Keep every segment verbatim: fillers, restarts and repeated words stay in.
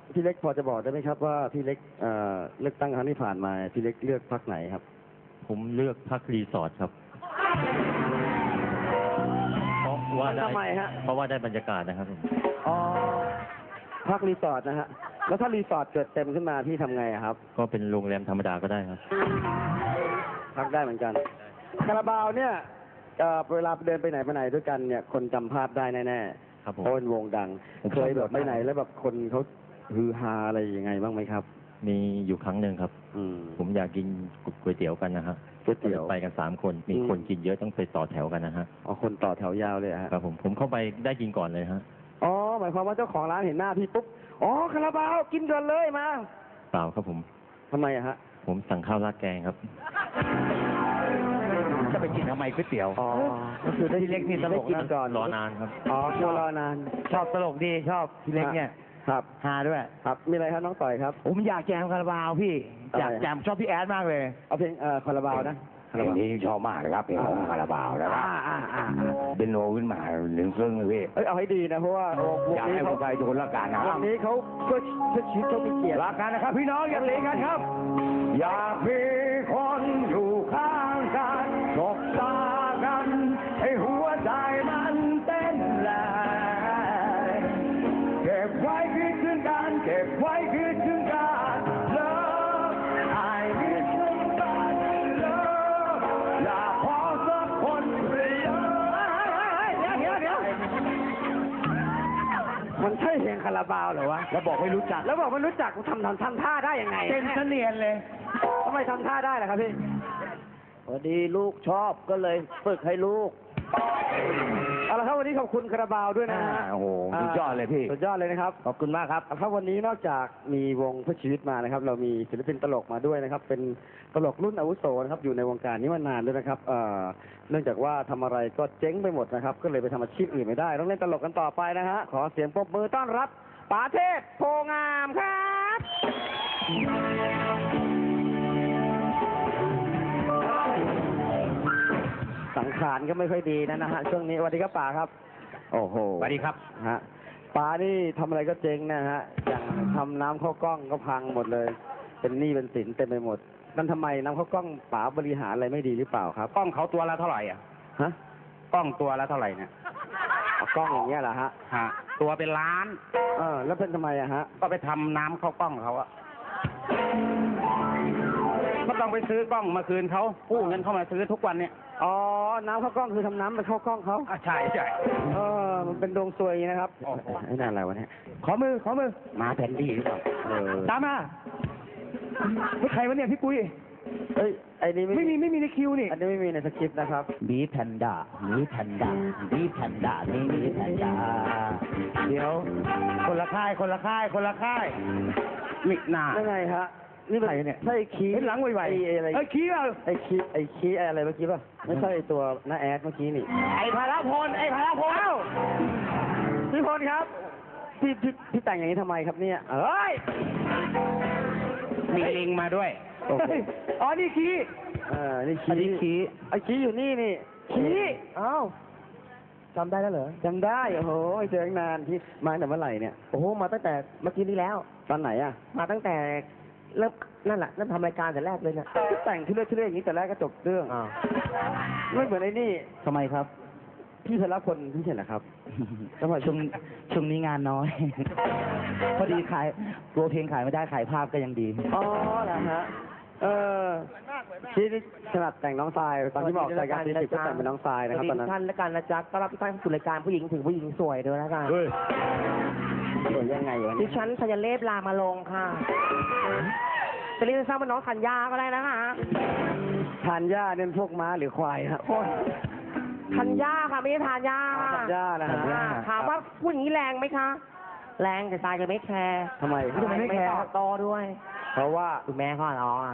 พี่เล็กพอจะบอกได้ไหมครับว่าพี่เล็กเอ่อเลือกตั้งครั้งที่ผ่านมาพี่เล็กเลือกพรรคไหนครับผมเลือกพักรีสอร์ทครับเพราะว่าได้ทำไมฮะเพราะว่าได้บรรยากาศนะครับผมอ๋อพรรครีสอร์ทนะฮะแล้วถ้ารีสอร์ทเกิดเต็มขึ้นมาพี่ทำไงอะครับก็เป็นโรงแรมธรรมดาก็ได้ครับพักได้เหมือนกันคาราบาวเนี่ยเอ่อเวลาเดินไปไหนไปไหนด้วยกันเนี่ยคนจำภาพได้แน่ๆครับผมเพราะเป็นวงดังเคยแบบไปไหนแล้วแบบคนเขาฮือฮาอะไรยังไงบ้างไหมครับมีอยู่ครั้งหนึ่งครับอืมผมอยากกินก๋วยเตี๋ยวกันนะฮะก๋วยเตี๋ยวไปกันสามคนมีคนกินเยอะต้องไปต่อแถวกันนะฮะอ๋อคนต่อแถวยาวเลยฮะครับผมผมเข้าไปได้กินก่อนเลยฮะอ๋อหมายความว่าเจ้าของร้านเห็นหน้าพี่ปุ๊บอ๋อคาราบาวกินก่อนเลยมาเปล่าครับผมทำไมอะฮะผมสั่งข้าวราดแกงครับจะไปกินทำไมก๋วยเตี๋ยวอ๋อก็คือได้พี่เล็กนี่ตลกนะก่อนรอนานครับอ๋อคิวรอนานชอบตลกดีชอบพี่เล็กเนี่ยครับฮาด้วยครับมีอะไรครับน้องต่อยครับผมอยากแจมคาราบาวพี่อยากแจมชอบพี่แอดมากเลยเอาเพลงเอ่อคาราบาวนะเพลงนี้ชอบมากเลยครับเพลงของคาราบาวนะครับเป็นโนขึ้นมาหนึ่งซึ่งเลยพี่เอ้ยเอาให้ดีนะเพราะว่าวงอยากให้คนไทยทุกคนรักกันนะวงนี้เขาเพื่อเพื่อชีวิตเขามีเกียรติรักกันนะครับพี่น้องอย่าหลีกกันครับอยากมีคนอยู่ข้างกันสบตากันให้หัวใจมันเต้นแรงเก็บไว้คิดถึงกันเก็บไว้คิดถึงกันเลิฟไอ้มิสซิ่งบัตเลิฟอยากขอสักคนเดียวเดี๋ยวเดี๋ยวเดี๋ยวมันใช่เพลงคาราบาวเหรอวะแล้วบอกไม่รู้จักแล้วบอกไม่รู้จักทำทำทำท่าได้ยังไงเต้นเสนียนเลยทำไมทำท่าได้ล่ะครับพี่พอดีลูกชอบก็เลยฝึกให้ลูกเอาละครับวันนี้ขอบคุณคาราบาวด้วยนะฮะโอ้โหสุดยอดเลยพี่สุดยอดเลยนะครับขอบคุณมากครับครับวันนี้นอกจากมีวงเพื่อชีวิตมานะครับเรามีศิลปินตลกมาด้วยนะครับเป็นตลกรุ่นอาวุโสนะครับอยู่ในวงการนี้มานานด้วยนะครับเอ่อเนื่องจากว่าทำอะไรก็เจ๊งไปหมดนะครับก็เลยไปทำอาชีพอื่นไม่ได้ต้องเล่นตลกกันต่อไปนะฮะขอเสียงปรบมือต้อนรับป๋าเทพโพงามครับสังขารก็ไม่ค่อยดีนะนะฮะช่วงนี้สวัสดีครับป๋าครับโอ้โหสวัสดีครับฮะป๋านี่ทำอะไรก็เจ๊งนะฮะอย่างทำน้ำข้าวกล้องก็พังหมดเลยเป็นหนี้เป็นสินเต็มไปหมดนั่นทำไมน้ำข้าวกล้องป๋าบริหารอะไรไม่ดีหรือเปล่าครับกล้องเขาตัวละเท่าไหร่อ่ะฮะกล้องตัวละเท่าไหร่เนี่ยกล้องอย่างเงี้ยเหรอฮะฮะตัวเป็นล้านเออแล้วเป็นทำไมอะฮะก็ไปทำน้ำเข้ากล้องเขาอะก็ต้องไปซื้อกล้องมาคืนเขากู้เงินเข้ามาซื้อทุกวันเนี่ยอ๋อน้ำข้าวกล้องคือทำน้ำไปเข้ากล้องเขาอ่ะใช่ใช่เออมันเป็นดวงซวยนะครับไอ้นั่นอะไรวะเนี่ยขอมือขอมือมาแผ่นดีหรือเปล่าเออตามมาไม่ใครวะเนี่ยพี่ปุ้ยเอ้ยไอ้นี่ไม่มีไม่มีในคิวนี่อันนี้ไม่มีในสคริปต์นะครับบีแพนด้าบีแพนด้าบีแพนด้านี่บีแพนด้าเดี๋ยวคนละค่ายคนละค่ายคนละค่ายมิหน้ายังไงฮะนี่ใครเนี่ยใช่คีเห็นหลังไวๆไอ้อะไรไอ้คีเปล่าไอ้คีไอ้คีอะไรเมื่อกี้ป่ะไม่ใช่ตัวน้าแอดเมื่อกี้นี่ไอ้พาราพลไอ้พาราพลเอ้าพี่พลครับพี่พี่พี่แต่งอย่างนี้ทำไมครับเนี่ยเอ้ยมีลิงมาด้วยอ๋อนี่คีเออนี่คีคีไอ้คีอยู่นี่นี่คีอ้าวจำได้แล้วเหรอจำได้โอ้โหเจอตั้งนานที่มาแต่เมื่อไหร่เนี่ยโอ้โหมาตั้งแต่เมื่อกี้นี้แล้วตอนไหนอ่ะมาตั้งแต่เริ่มนั่นแหละเริ่มทำรายการแต่แรกเลยนะแต่งที่เลือดที่เลือดอย่างนี้แต่แรกก็จบเรื่องไม่เหมือนไอ้นี่ทำไมครับพี่พลพลพี่เห็นนะครับช่วงช่วงนี้งานน้อยพอดีขายตัวเพลงขายไม่ได้ขายภาพก็ยังดีอ๋อเหรอฮะเออที่ถนัดแต่งน้องทรายตอนที่บอกรายการที่สิบก็แต่งเป็นน้องทรายนะครับตอนนั้นท่านและการนะจ๊ะก็รับท่านสู่รายการผู้หญิงถึงผู้หญิงสวยด้วยนะกันสวยยังไงวะดิฉันธัญเลศลามาลงค่ะจะเรียกสั้นว่าน้องธัญญาก็ได้นะคะธัญญาเนี่ยพวกม้าหรือควายครับธัญญาค่ะไม่ใช่ธัญญาธัญญานะฮะถามว่าพูดอย่างนี้แรงไหมคะแรงแต่ทรายจะไม่แคร์ทำไมทำไมไม่แคร์ต่อด้วยเพราะว่าคุณแม่เขาร้องอ่ะ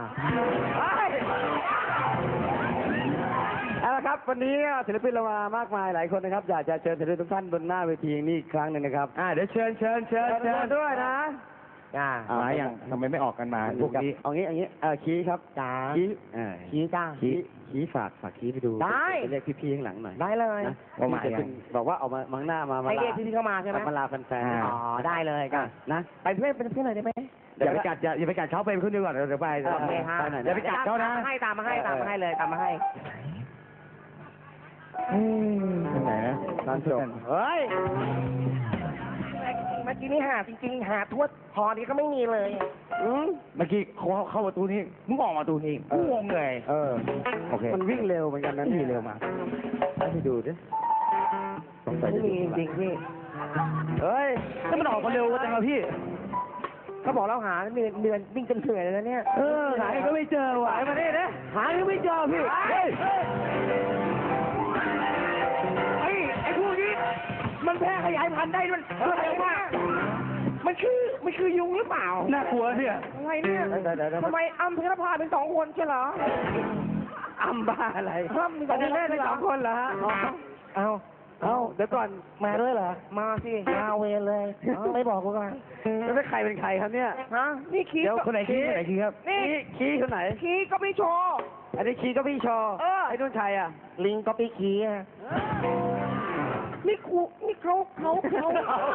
เอาละครับวันนี้ศิลปินเรามามากมายหลายคนนะครับอยากจะเชิญศิลปินทุกท่านบนหน้าเวทีนี้อีกครั้งหนึ่งนะครับอ่าเดี๋ยวเชิญเชิญเชิญเชิญด้วยนะอ่ามาอย่างทำไมไม่ออกกันมาพวกนี้เอางี้เอางี้เออขี้ครับจ้าขี้เออชี้จ้าขี้ขี้ฝากฝากขี้ไปดูได้ไปเรียกพี่ๆข้างหลังหน่อยได้เลยนะว่ามาจะยัเป็นงบอกว่าเอามามังหน้ามามาให้ลาเรียกพี่ๆเข้ามาใช่ไหมมาลาแฟนอ่าๆอ๋อได้เลยก็นะไปเพื่อนเป็นเพื่อนหน่อยได้ไหมอย่าไปกัดอย่าอย่าไปกัดเขาไปขึ้นดีกว่าเดี๋ยวไปโอเคฮะไปหน่อยเดี๋นะยวไปกัดเขานะให้ตามมาให้ตามมาให้เลยตามมาให้ตรงไหนนะร้านจบเฮ้ยเมื่อกี้นี่หาจริงๆหาทวดพอนี้ก็ไม่มีเลยอืมเมื่อกี้เขาเข้าประตูนี้มึงออกมาประตูนี้กูงงเลยเออโอเคมันวิ่งเร็วเหมือนกันนะวิ่งเร็วมากให้ดูดิสงสัยไม่จะมีดูจริงๆพี่เฮ้ยถ้ามันออกมาเร็วจังเลยพี่เขาบอกเราหาเดือนเดือนวิ่งจนเหนื่อยเลยนะเนี่ยเออหาก็ไม่เจอว่ะหายมาเนี่ยนะหาก็ไม่เจอพี่เฮ้ยไอ้ไอ้พวกนี้มันแพร่ขยายพันธุ์ได้มันอะไรมากมันคือมันคือยุงหรือเปล่าน่ากลัวเนี่ยอะไรเนี่ยเดี๋ยวเดี๋ยวเดี๋ยวทำไมอ้ำเพชรพาเป็นสองคนใช่เหรออัมบ้าอะไรอ้ำมีสองคนเล่นได้สองคนเหรอฮะเอาเอาเดี๋ยวก่อนมาด้วยเหรอ มาสิมาเวรเลยเอาไม่บอกกูกันแล้วเป็นใครเป็นใครครับเนี่ยฮะนี่คีเดี๋ยวคนไหนขี้คนไหนขี้ครับนี่ขี้ขี้คนไหนคีก็ไม่โชว์อันนี้ขี้ก็พี่ชอเออไอ้นุ่นชัยอ่ะลิงก็ไปคีอะนี่ครูนี่เขาเขาเขา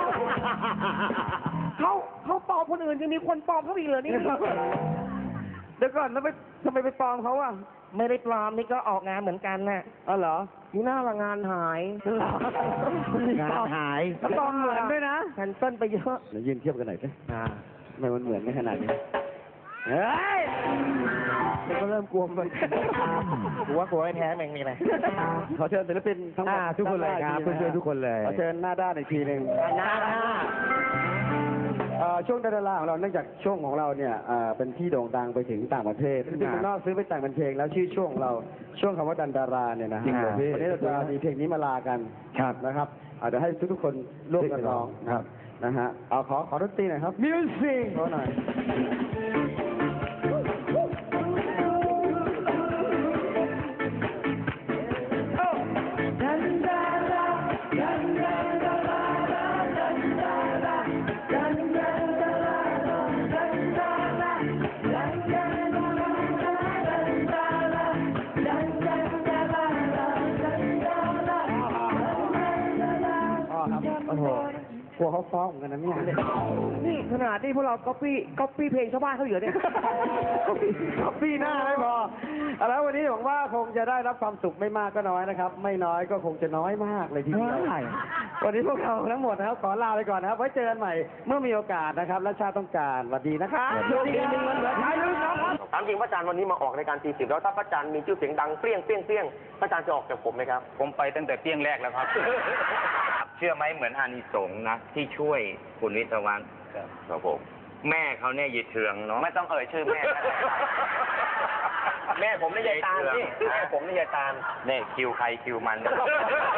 เขาเขาปลอมคนอื่นยังมีคนปลอมเขาอีกเหรอนี่เดี๋ยวก่อนแล้วไปทำไมไปปลอมเขาอ่ะไม่ได้ปลอมนี่ก็ออกงานเหมือนกันน่ะอ๋อเหรอนี่หน้าละงานหายเหรองานหายแล้วปลอมเหมือนด้วยนะแคนเซิลไปเยอะเดี๋ยวยืนเทียบกันหน่อยสิอ่าทำไมมันเหมือนไม่ขนาดนี้เฮ้ยเดี๋ยวก็เริ่มกลัวมันกลัวกลัวไม่แพ้แม่งนี่เลยขอเชิญศิลปินทั้งหมดอ่าทุกคนเลยครับด้าเพื่อนๆทุกคนเลยขอเชิญหน้าด้านอีกทีหนึ่งหน้าหน้าเอ่อช่วงดาราของเราเนื่องจากช่วงของเราเนี่ยเอ่อเป็นที่โด่งดังไปถึงต่างประเทศที่เมืองนอกซื้อไปแต่งเป็นเพลงแล้วชื่อช่วงของเราช่วงคำว่าดันดาราเนี่ยนะฮะจริงเหรอพี่วันนี้เราจะมีเพลงนี้มาลากันครับนะครับอาจจะเดี๋ยวให้ทุกๆคนร่วมกันร้องครับนะฮะเอาขอขอดนตรีหน่อยครับมิวสิกขอหน่อย อ๋อครับโอ้โหกลัวเขาฟ้องเหมือนกันนะเนี่ยนี่ขนาดที่พวกเราก๊อปปี้ก๊อปปี้เพลงชาวบ้านเขาอยู่เนี่ยก๊อปปี้หน้าไม่พอเอาแล้ววันนี้หวังว่าคงจะได้รับความสุขไม่มากก็น้อยนะครับ ไม่น้อยก็คงจะน้อยมากเลยทีเดียวใช่วันนี้พวกเราทั้งหมดนะครับขอลาไปก่อนนะครับ ไว้เจอกันใหม่เมื่อมีโอกาสนะครับ และชาติต้องการสวัสดีนะครับสวัสดีครับเงินเหลือใช้ลืมนะครับถามจริงพระอาจารย์วันนี้มาออกในการตีสิบแล้วถ้าพระอาจารย์มีชื่อเสียงดังเปรี้ยงเปรี้ยงเปรี้ยงพระอาจารย์จะออกจากผมไหมครับผมไปตั้งแต่เปี้ยงแรกแล้วครับ เชื่อไหมเหมือนอานิสงส์นะ ที่ช่วยคุณวิทยาวันครับผม แม่เขาเนี่ยยีเทืองเนาะไม่ต้องเอ่ยชื่อแม่ก็ได้แม่ผมนี่ยายตาลนี่แม่ผมนี่ยายตาลเนี่ยคิวใครคิวมัน